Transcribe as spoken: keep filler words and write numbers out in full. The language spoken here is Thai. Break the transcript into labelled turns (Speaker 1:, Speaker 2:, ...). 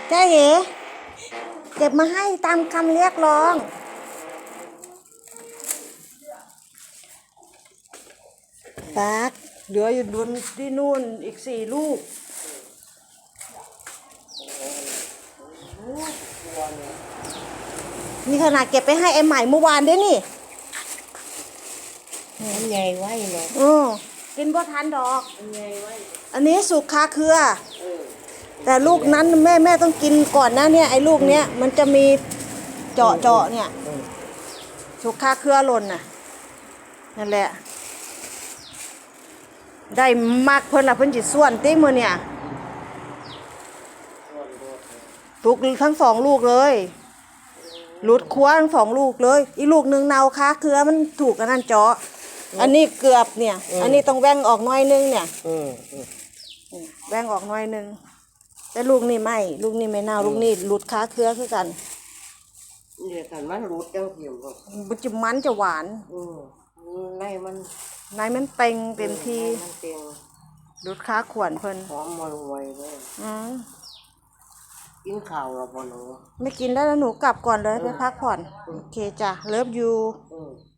Speaker 1: เจ๊เอ๋เก็บมาให้ตามคำเรียกร้องปักเหลืออยู่บนที่นู่นอีกสี่ลูกนี่ขนาดเก็บไปให้ไอ้ใหม่เมื่อวานด้วยนี่
Speaker 2: มันใหญ่ไว้เนาะ
Speaker 1: อือกินบ่ทันดอก
Speaker 2: มันใหญ่ไว้
Speaker 1: อันนี้สุกคาเครือแต่ลูกนั้นแม่แม่ต้องกินก่อนนะเนี่ยไอ้ลูกเนี้ยมันจะมีเจาะเจาะเนี่ยสุกคาเครือหล่นน่ะนั่นแหละได้มากเพิ่นละเพิ่นจิส่วนติ้งมือเนี่ยทุกทั้งสองลูกเลยหลุดคว้าทั้งสองลูกเลยอีลูกหนึ่งเนาคาเครือมันถูกกันนั่นเจาะอันนี้เกือบเนี่ยอันนี้ต้องแว่งออกน้อยนึงเนี่ยแว่งออกน้อยนึงแต่ลูกนี่ไม่ลูกนี่ไม่เน่าลูกนี่หลุดคาเครือคือกัน
Speaker 2: เดี๋ยวกันมันรูดจังเหี่ยวก็
Speaker 1: มันจะมันจะหวาน
Speaker 2: อืมในมัน
Speaker 1: ในมันเต็งเต็มที
Speaker 2: มันเต็ง
Speaker 1: หลุดคาขวนเพิ่น
Speaker 2: หอมมันไวเลย
Speaker 1: อืม
Speaker 2: กินข้าวแล้วบ่หนู
Speaker 1: ไม่กินแล้วแล้วหนูกลับก่อนเลยไปพักผ่อนโอเคจ้ะเลิฟยู